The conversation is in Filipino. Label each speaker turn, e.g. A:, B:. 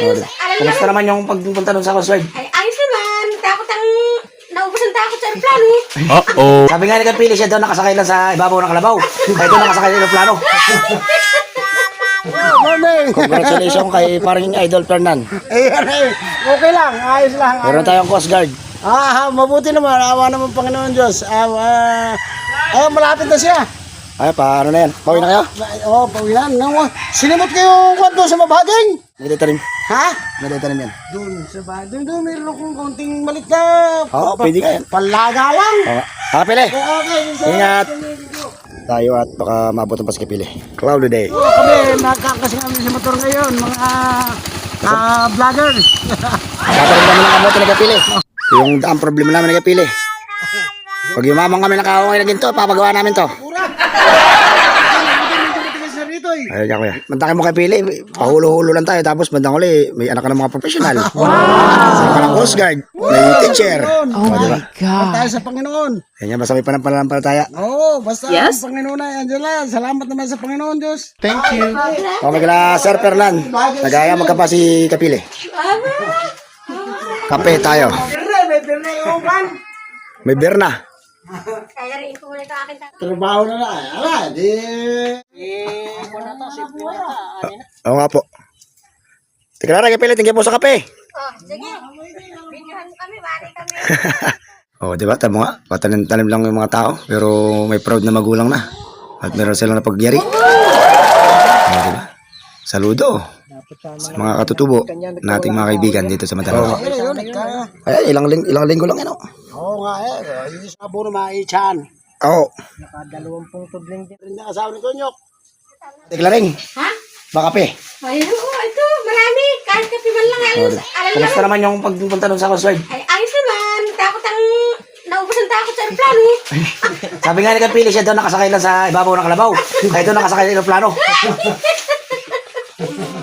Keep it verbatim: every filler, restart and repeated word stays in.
A: ayos.
B: Sorry.
A: Alam
B: Kumusta
A: naman.
B: naman yung pagpunta nun sa Coast Guard?
A: Ay, ayos naman. Takot ang... Naubos ang takot sa aeroplano.
C: Uh-oh.
B: Sabi nga ni Kapili, siya daw nakasakay lang sa ibabaw ng kalabaw. Kaya doon nakasakay sa aeroplano.
D: Oh, morning.
B: Congratulations kay parang Idol Fernan.
D: Ayan eh. Okay lang. Ayos lang.
B: Meron tayong Coast Guard.
D: Ah, mabuti naman. Awa naman Panginoon Diyos. Ah, ah, ah, malapit na siya.
B: Ay, paano na yan? Pauwi na kayo?
D: Oo, oh, pawilan. Nang, sinimot kayo kwanto sa mabaging.
B: May tanim.
D: Ha?
B: May tanim yan.
D: Doon, sa bahay. Doon, doon, meron akong kaunting malit na...
B: Oo, pwede ka yan.
D: Palaga lang.
B: Oo. Kapili.
D: Okay,
B: Ingat. Tayo at baka maabot ang paskipili. Cloudy day.
D: Oo, kami, nakakasing kami sa motor ngayon, mga ah, vlogger.
B: Katarin kami ng kamote na Kapili. Yung ang problema namin na Kapili. Pag yumamang kami nakakawang na ginto, papagawa namin to. Ay, kaya kuya. Mantakin mo kay Pili, pahulo-hulo lang tayo. Tapos bandang uli, may anak ka ng mga profesional. Wow! Anak ka ng Coast Guard, may teacher.
D: Oh
B: my diba?
D: God. Tayo sa Panginoon.
B: Yan yan, basta may panampanampalataya.
D: Oo, basta
A: Yes.
D: ang Panginoon ay andyan lang. Salamat naman sa Panginoon Diyos.
C: Thank you.
B: O, may kala Sir Fernan. Nagaya magkapa si Kapili. Kape tayo.
D: Pirne, may pirne yung kan.
B: May beer na.
A: Kaya rin ko muna ito akin.
D: Trabaho na na. Ala, di...
B: Oo nga po. Teka lang, Kapili, tingin po sa kape.
A: Oh, sige. Videohan mo kami, bari kami.
B: O, diba? Tama nga. Patanim-tanim lang yung mga tao. Pero may proud na magulang na. At meron silang napagyari. O, diba? Saludo sa mga katutubo nating mga kaibigan dito sa Mandaluyong.
D: Ayun, yun, nagka...
B: Ay, ilang, ling ilang linggo lang yan, o.
D: Oo nga eh. Yung sa buno maichan.
B: Oo.
D: Nakadalawampung tudling din rin na asawa ni Tonyok.
B: Teka lang,
A: Ha?
B: baka kape.
A: Ay, oo, ito. Marami. Kahit kape man lang. Ayos. Alam
B: Kumusta
A: naman.
B: naman yung pagpunta nun sa Coast Guard?
A: Ay, ayos naman. Takot ang... Naubos ang takot sa aeroplano.
B: Sabi nga ni Kapili, siya daw nakasakay lang sa ibabaw ng kalabaw. Kaya doon nakasakay sa aeroplano.